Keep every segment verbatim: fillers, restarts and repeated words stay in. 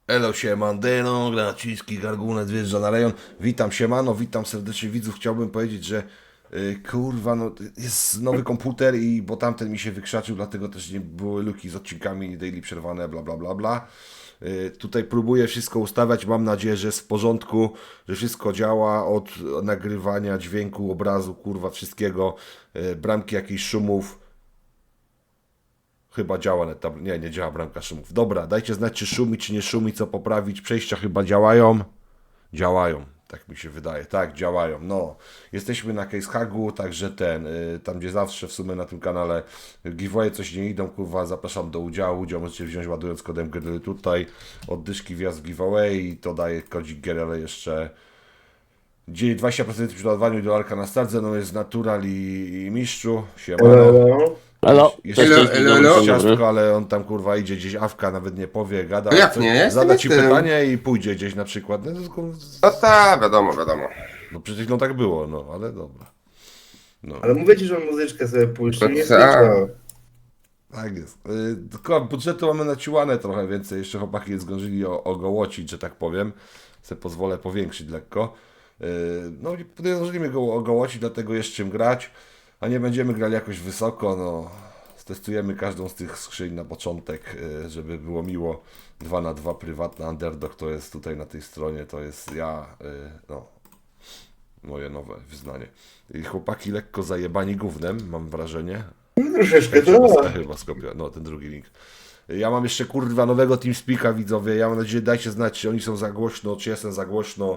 Elo siemandeno, Graciński Gargunet wjeżdża na rejon. Witam siemano, witam serdecznie widzów. Chciałbym powiedzieć, że yy, kurwa, no jest nowy komputer i bo tamten mi się wykrzaczył, dlatego też nie były luki z odcinkami daily przerwane, bla bla bla bla. Yy, tutaj próbuję wszystko ustawiać, mam nadzieję, że jest w porządku, że wszystko działa od nagrywania dźwięku, obrazu, kurwa, wszystkiego, yy, bramki jakichś szumów. Chyba działa net tab... Nie, nie działa bramka szumów. Dobra, dajcie znać, czy szumi, czy nie szumi, co poprawić. Przejścia chyba działają. Działają, tak mi się wydaje. Tak, działają. No, jesteśmy na Case Hagu, także ten, y, tam gdzie zawsze w sumie na tym kanale giveaway coś nie idą, kurwa, zapraszam do udziału. Udział możecie wziąć ładując kodem G tutaj. Oddyszki wjazd w giveaway i to daje kodzik G, ale jeszcze dzieje dwadzieścia procent przy ładowaniu dolarka na stardze, no jest natural i, i mistrzu. Siemano. Elo, Jeszcze elo, jest elo, elo, elo. ciastko, ale on tam kurwa idzie gdzieś, awka nawet nie powie, gada. No jak co- nie? Ja jestem Zada ci jestem. pytanie i pójdzie gdzieś na przykład. No, to tylko- No tak, wiadomo, wiadomo. no przecież no tak było, no ale dobra. No, Ale mówię ci, że on muzyczkę sobie puści, No nie tak. słyszał. tak jest. Y, Tylko budżetu mamy naciłane trochę więcej, jeszcze chłopaki nie zdążyli o- ogołocić, że tak powiem. Se pozwolę powiększyć lekko. Y, No i nie zdążyliśmy go ogołocić, dlatego jest czym grać, a nie będziemy grali jakoś wysoko, no. Testujemy każdą z tych skrzyń na początek, y, żeby było miło. dwa na dwa prywatna underdog to jest tutaj na tej stronie, to jest ja, y, no, moje nowe wyznanie. I chłopaki lekko zajebani gównem, mam wrażenie. No, troszeczkę Chyba, to. chyba skopia, no ten drugi link. Ja mam jeszcze kurwa nowego TeamSpeaka, widzowie. Ja mam nadzieję, dajcie znać, czy oni są za głośno, czy jestem za głośno.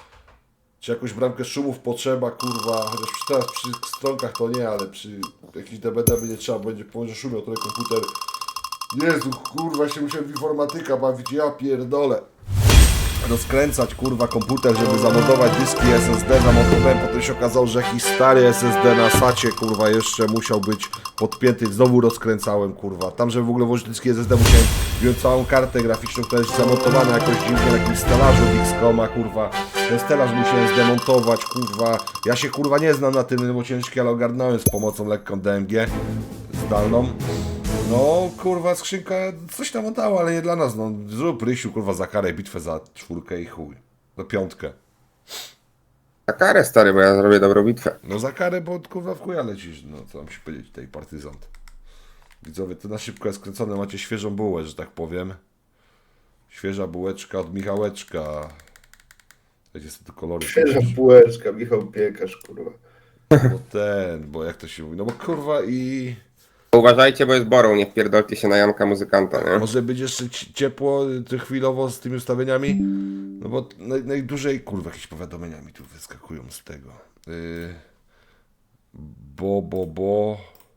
Czy jakąś bramkę szumów potrzeba, kurwa. Chociaż przy, teraz przy stronkach to nie, ale przy jakichś D B D by nie trzeba, będzie będzie szumiał trochę komputer. Jezu, kurwa, się musiałem w informatyka bawić, ja pierdolę. Rozkręcać kurwa komputer, żeby zamontować dyski S S D, zamontowałem, potem się okazało, że jakiś stary S S D na sacie kurwa jeszcze musiał być podpięty, znowu rozkręcałem kurwa, tam żeby w ogóle włożyć dyski S S D musiałem wziąć całą kartę graficzną, która jest zamontowana jakoś dziwnie na jakimś stelażu od X COMa kurwa, ten stelaż musiałem zdemontować kurwa, ja się kurwa nie znam na tym, bo ciężki, ale ogarnąłem z pomocą lekką D M G zdalną. No, kurwa, skrzynka coś tam oddała, ale nie dla nas, no. Zrób Rysiu, kurwa, za karę bitwę za czwórkę i chuj. No piątkę. Na karę, stary, bo ja zrobię dobrą bitwę. No za karę, bo kurwa w chuja lecisz, no co mam się powiedzieć tutaj, partyzant. Widzowie, to na szybko jest skręcone, macie świeżą bułę, że tak powiem. Świeża bułeczka od Michałeczka. Wiecie, są te kolory. Świeża bułeczka, Michał Piekarz, kurwa. Bo ten, bo jak to się mówi, no bo kurwa i... Uważajcie, bo jest borą, nie wpierdolcie się na Janka muzykanta, nie? Może być jeszcze ci- ciepło y, chwilowo z tymi ustawieniami? No bo naj, najdłużej, kurwa, jakieś powiadomienia mi tu wyskakują z tego. Yy, bo, bo, bo...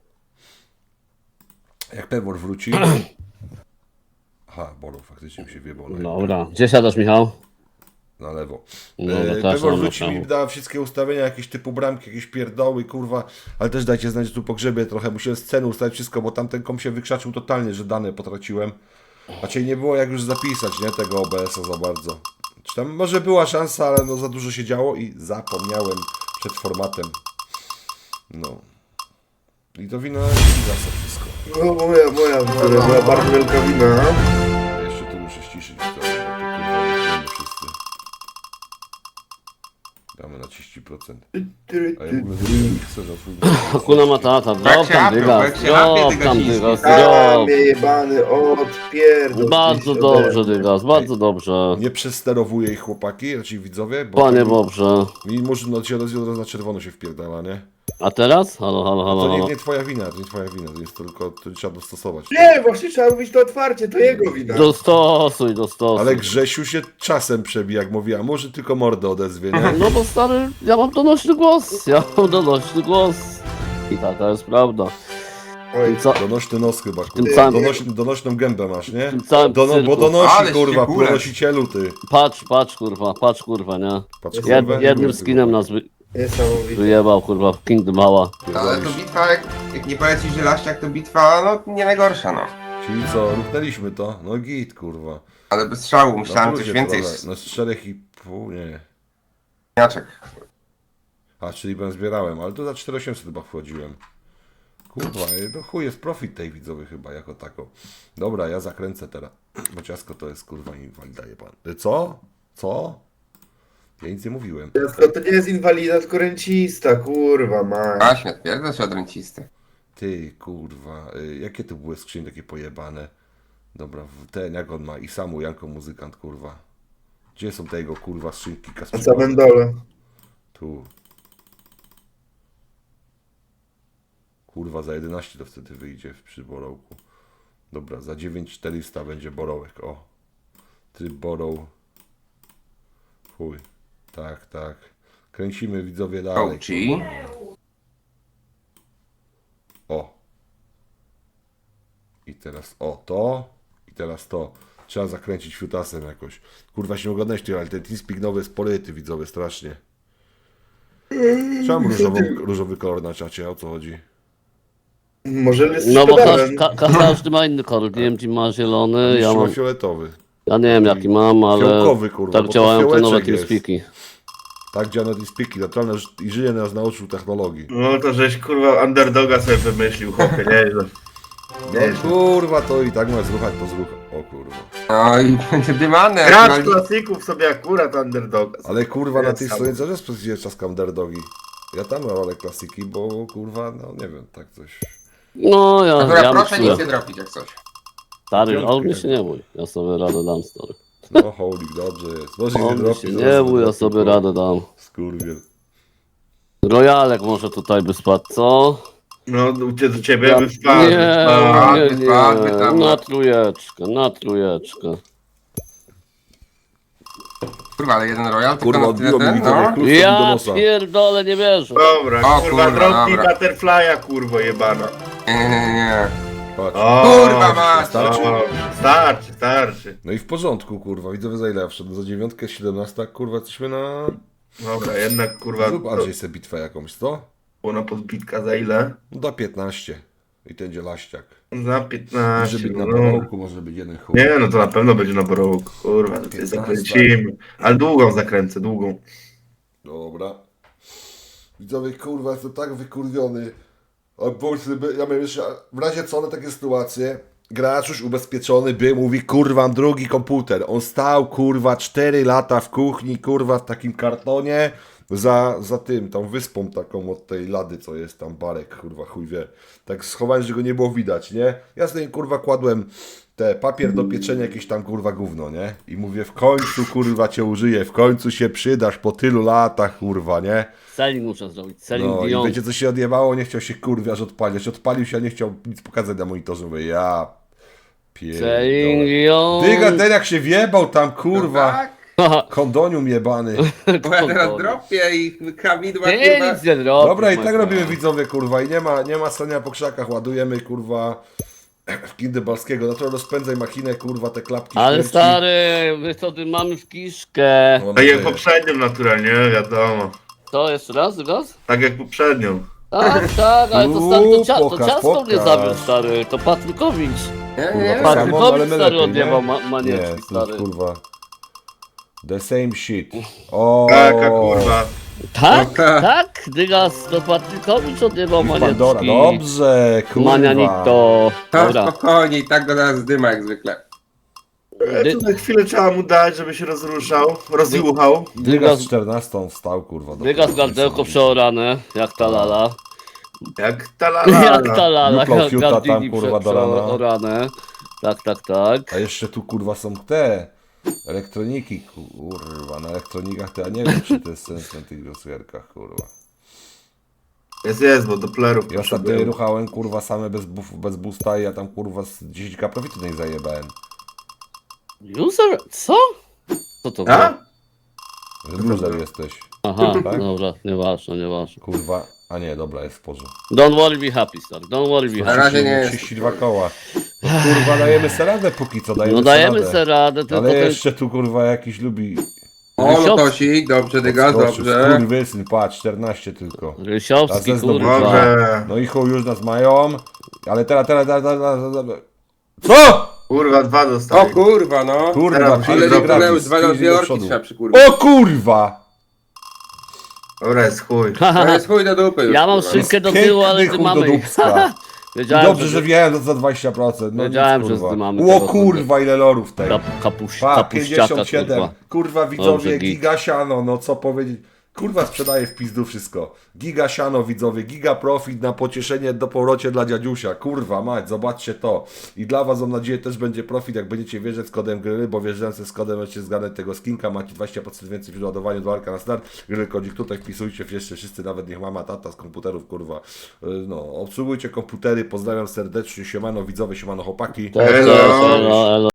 Jak Pewor wróci... Aha, Bolo, faktycznie mi się wie, Bolo. Dobra, gdzie siadasz, Michał? Na lewo. No, Yy, to też Pewor mam wróci na mi, prawo. da wszystkie ustawienia, jakieś typu bramki, jakieś pierdoły, kurwa, ale też dajcie znać, że tu pogrzebie trochę, musiałem scenę ustawić wszystko, bo tamten kom się wykrzaczył totalnie, że dane potraciłem. Raczej nie było jak już zapisać, nie, tego O B S-a za bardzo. Czy tam może była szansa, ale no za dużo się działo i zapomniałem przed formatem. No. I to wina Gigasa wszystko. No moja, moja, moja, moja bardzo wielka wina. Ja jeszcze tu muszę ściszyć, to, bo tu kurwa nie wszyscy. Damy na trzydzieści procent. A ja w ogóle nie chcę za twój... Hakuna Matata, drop Brak się tam apie, dygas, brak się apie, drop dygas tam chiński. dygas, Kamie drop. jebany, odpierdol. Bardzo gdzieś dobrze, ode mnie. dygas, bardzo dobrze. Nie przesterowuję ich chłopaki, raczej widzowie, bo Panie tak- Bobrze. mi może no, się od razu na czerwono się wpierdala, nie? A teraz? Halo, halo, halo, To nie, halo. nie twoja wina, to nie twoja wina, to jest tylko, to trzeba dostosować. Nie, właśnie trzeba mówić to otwarcie, to jego wina. Dostosuj, dostosuj. Ale Grzesiu się czasem przebija, jak mówi, a może tylko mordę odezwie, nie? No bo stary, ja mam donośny głos, ja mam donośny głos. I taka jest prawda. Oj, Co? Donośny nos chyba, Tym kurwa. samym- Donośny, donośną gębę masz, nie? Tym całym Dono, bo cyrku. donosi, Ale kurwa, ścigurek. ponosicielu, ty. Patrz, patrz kurwa, patrz kurwa, nie? Patrz, Jed- kurwa, Jed, jednym kurwa. skinem nas wy, niesamowite. wyjebał kurwa w Kingdom Mała. Ale to bitwa, jak, jak nie polecisz żelaściak, to bitwa, no nie najgorsza, no. Czyli co, ruchnęliśmy to? No git, kurwa. Ale bez strzału, myślałem Na coś plusie więcej. trochę. No z czterech i pół, nie. Śniaczek. A, czyli ben zbierałem, ale to za cztery tysiące osiemset chyba wchodziłem. Kurwa, no chuj jest profit tej widzowy chyba jako tako. Dobra, ja zakręcę teraz. Bo ciasko to jest kurwa inwalida pan. Co? Co? Ja nic nie mówiłem. Ciasko to nie jest inwalida, tylko rencista, kurwa, ma. Właśnie, odpierdol się od rencisty. Ty kurwa, y, jakie to były skrzynie takie pojebane? Dobra, w- ten jak on ma i samu Janko muzykant kurwa. Gdzie są te jego kurwa skrzynki Na kasprzyka? samym dole. Tu. Kurwa, za jedenaście to wtedy wyjdzie przy borołku. Dobra, za dziewięć tysięcy czterysta będzie borołek, o. Tryb boroł. Chuj. Tak, tak. Kręcimy widzowie dalej. Ołci. O. I teraz o to. I teraz to. Trzeba zakręcić fiutasem jakoś. Kurwa się nie oglądać ty, ale ten TeamSpeak nowy jest poryty widzowie, strasznie. Czemu różową, różowy kolor na czacie? O co chodzi? Może jest No bo szkodałem. każ, ka, każdy ma inny kolor. Nie wiem, czy ma zielony, ja Ja mam... fioletowy. Ja nie wiem jaki mam, ale Fiołkowy, kurwa, bo tak to działają te nowe fiołeczek jest. TeamSpeaki. Tak działa TeamSpeaki. Naturalne i żyje nas nauczył technologii. No to żeś kurwa underdoga sobie wymyślił, chłopie, nieźle. No Nieźle. kurwa, to i tak ma zruchać to zrucha. O kurwa. No i będzie dymane. Gracz klasików sobie akurat underdoga. Ale kurwa na Jest tej samo. stronie też jest czaska underdogi. Ja tam mam rolę klasiki, bo kurwa, no nie wiem, tak coś. No ja, Dobra, ja proszę myślę. nic nie dropić jak coś. Stary, on mi się nie bój. Ja sobie radę dam, stary. No holik, dobrze jest. Może nie On mi dropi, się zaraz nie bój, ja dropi, sobie kurwa. radę dam. Skurwiel. Rojalek może tutaj by spadł, co? No do, do ciebie Ja- by wpadł. Nie, wpadł. nie, wpadł, wpadł, tam. nie. Na trójeczkę, na trójeczkę. Kurwa, ale jeden royal, tylko Kurwa, na tyle odbiło mi ten, widzowie no. klucz do Ja nosa. pierdolę, nie wierzę. Dobra, O, kurwa, kurwa, drobni dobra. butterfly'a, kurwo jebana. Nie, nie, nie, nie. Patrz. O, Kurwa mać! Starczy? O, starczy, starczy. No i w porządku, kurwa. Widzowie za ile ja wszedłem? Za dziewiątkę, siedemnasta, kurwa, jesteśmy na... Dobra, jednak kurwa, Zrób Andrzej sobie bitwę jakąś, co? ona podbitka za ile? No da piętnaście. I ten dzielaściak. Za Może piętnaście. być na no. borołku, może być jeden chuj. Nie, no to na pewno będzie na borołku, kurwa, to tutaj zakręcimy. Ale długą zakręcę, długą. Dobra. Widzowie, kurwa, jestem tak wykurwiony. A bo sobie- ja miałem jeszcze, w razie co na takie sytuacje, gracz już ubezpieczony by, mówi, kurwa, mam drugi komputer. On stał, kurwa, cztery lata w kuchni, kurwa, w takim kartonie, za, za tym, tą wyspą taką od tej lady, co jest tam, barek, kurwa, chuj wie. Tak schowałem, że go nie było widać, nie? Ja sobie, kurwa, kładłem te papier do pieczenia, jakieś tam, kurwa, gówno, nie? I mówię, w końcu, kurwa, cię użyję, w końcu się przydasz po tylu latach, kurwa, nie? Selling muszę zrobić, selling No i Dion. wiecie co się odjebało? Nie chciał się kurwiarz odpalić. Odpalił się, a nie chciał nic pokazać na monitorze. Mówię, ja Selling pierdolę. Dion. Dyga, ten jak się wjebał tam, kurwa. Tak? Kondonium jebany. Bo ja teraz dropię i krawidła, Nie, kurwa. nic nie robię. Dobra, i tak robimy widzowie, kurwa. I nie ma, nie ma stania po krzakach. Ładujemy, kurwa, w Kinderbalskiego. No to rozpędzaj machinę, kurwa, te klapki. Ale śmierci. stary, my to ty mamy w kiszkę. No, Tak jak no, poprzednią naturalnie, wiadomo. To jeszcze raz, raz? Tak jak poprzednią. Tak, tak, ale to stary, to, cia to Pokaż, ciasto mnie pokaż. zabił, stary. To Patrykowicz. Nie, kurwa, nie, tak Patryk- samo, Patrykowicz, ale my stary, lepiej, odjebał nie? ma- manieczki, Nie, stary. tu, kurwa. The same shit. O, Taka kurwa. Tak, No tak. tak, Dygas, to Patrykowicz odjebał Pandora. manieczki. Dobrze, kurwa. Manianito. To Dobra. spokojnie i tak go zaraz zdyma jak zwykle. E, Dy- Tutaj chwilę trzeba mu dać, żeby się rozruszał, rozjuchał. Dygas Dygas- z czternastą wstał, kurwa. do Dygas kurwa, gardełko niesamowite. przeorane, jak ta lala. Jak ta lala. Jak ta lala, Juplał jak fiuta tam, gardini kurwa, prze- do rana. przeorane. Tak, tak, tak. A jeszcze tu, kurwa, są te elektroniki, kurwa. Na elektronikach to ja nie wiem, czy to jest sens na tych głosujerkach, kurwa. Jest, jest, bo Dopplerów Ja ostatnio potrzebują. ruchałem, kurwa, same bez, buf, bez boosta i ja tam, kurwa, z dziesięć ka profitu nie zajebałem. User, co? Co to A? było? Że loser jesteś, Aha, Tak? dobra, nieważne, nieważne. kurwa. A nie, dobra, jest w porządku. Don't worry, be happy, stary, don't worry, be Na happy. razie nie jest. trzydzieści dwa koła. No, kurwa, dajemy se radę póki co, dajemy No se dajemy radę. sobie radę, tylko Ale ten... jeszcze tu, kurwa, jakiś lubi... O, lotosik, dobrze, Dygas, Odskoczył. dobrze. Skurwysyn, patrz, czternaście tylko. A Rysiowski, ze zdobycia. kurwa. Może. No i chuj, już nas mają. Ale teraz, teraz, teraz, teraz, teraz... Co? Kurwa, dwa O dostali. kurwa, no. Kurwa, Teraz pięć Ale Dobra, dokonęły gratis, dwa pięć dwie do orki przodu. trzeba przykurwić. O kurwa! Dobra, jest chuj. To jest chuj do dupy już, Ja mam kurwa. skrzynkę do Piękny tyłu, ale chuj ty do mamy. dupska. Wiedziałem, Dobrze, że, że wjechałem za dwadzieścia procent. No Wiedziałem, nic, że kurwa. zdymamy O tego, kurwa, ile lorów tej. Kap, kapuś, Pa, kapuściaka, pięćdziesiąt siedem. kurwa. Kurwa, widzowie, Dobrze, git. giga siano, no co powiedzieć. Kurwa, sprzedaję w pizdu wszystko. Giga siano, widzowie, giga profit na pocieszenie do powrocie dla dziadziusia. Kurwa, mać, zobaczcie to. I dla was, mam nadzieję, też będzie profit, jak będziecie wierzyć z kodem gry, bo wjeżdżając z kodem będziecie zgadnąć tego skinka, macie dwadzieścia procent więcej przy ładowaniu dolarka na start. Gry kodzik tutaj wpisujcie, jeszcze wszyscy, nawet niech mama, tata z komputerów, kurwa. Yy, No, obsługujcie komputery, pozdrawiam serdecznie, siemano widzowie, siemano chłopaki. Cześć, Elo. cześć, elo, elo.